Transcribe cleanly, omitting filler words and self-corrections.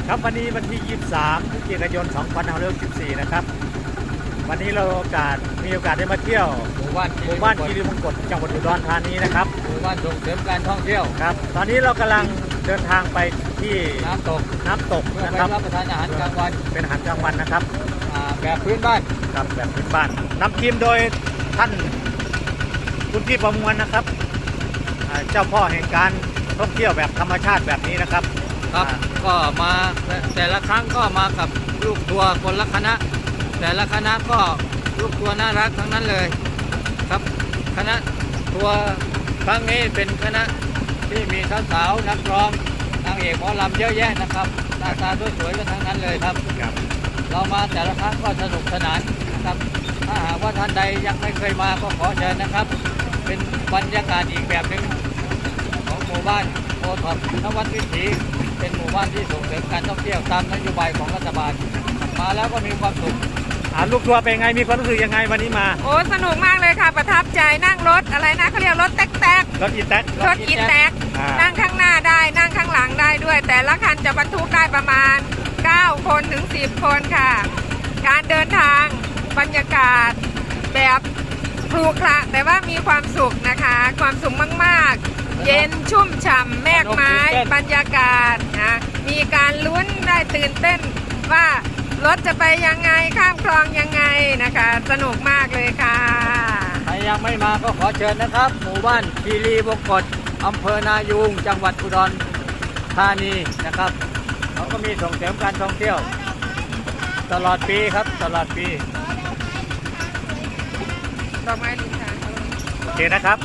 ครับวันนี้วันที่ 23 พฤศจิกายน 2564 นะครับวันนี้เรามีโอกาสได้มาเที่ยวหมู่บ้านคีรีมงกตจังหวัดอุดรธานีนะครับหมู่บ้านส่งเสริมการท่องเที่ยวครับตอนนี้เรากำลังเดินทางไปที่น้ำตกเพื่อนะไปครับรับประทานอาหารกลางวันเป็นอาหารกลางวันนะครับแบบพื้นบ้านครับแบบพื้นบ้านนำทีมโดยท่านคุณพี่ประมวลนะครับเจ้าพ่อแห่งการท่องเที่ยวแบบธรรมชาติแบบนี้นะครับครับก็มาแต่ละครั้งก็มากับลูกทัวร์คนละคณะแต่ละคณะก็ลูกทัวร์น่ารักทั้งนั้นเลยครับคณะทัวร์ครั้งนี้เป็นคณะที่มีสาวๆนักร้องนางเอกหมอลำเยอะแยะนะครับหน้าตาสวยๆกันทั้งนั้นเลยครับเรามาแต่ละครั้งก็สนุกสนานนะครับถ้าหากว่าท่านใดยังไม่เคยมาก็ขอเชิญนะครับเป็นบรรยากาศอีกแบบหนึ่งของหมู่บ้านโอท็อปนวัดวิถีเป็นหมู่บ้านที่ส่งเสริมการท่องเที่ยวตามนโยบายของรัฐบาลมาแล้วก็มีความสุขลูกทัวร์เป็นไงมีความรู้สึกยังไงวันนี้มาโอ้สนุกมากเลยค่ะประทับใจนั่งรถอะไรนะเขาเรียกรถแต๊กรถอีแต๊กนั่งข้างหน้าได้นั่งข้างหลังได้ด้วยแต่ละคันจะบรรทุกได้ประมาณ9 คนถึง 10 คนค่ะการเดินทางบรรยากาศแบบครุขระแต่ว่ามีความสุขนะคะความสุขมากๆเย็นชุ่มฉ่ำแมกไม้บรรยากาศนะมีการลุ้นได้ตื่นเต้นว่ารถจะไปยังไงข้ามคลองยังไงนะคะสนุกมากเลยค่ะใครยังไม่มาก็ขอเชิญนะครับหมู่บ้านคีรีวงกตอำเภอนายูงจังหวัดอุดรธานีนะครับเขาก็มีส่งเสริมการท่องเที่ยวตลอดปีครับตลอดปีดอกไม้ลินค่ะโอเคนะครับ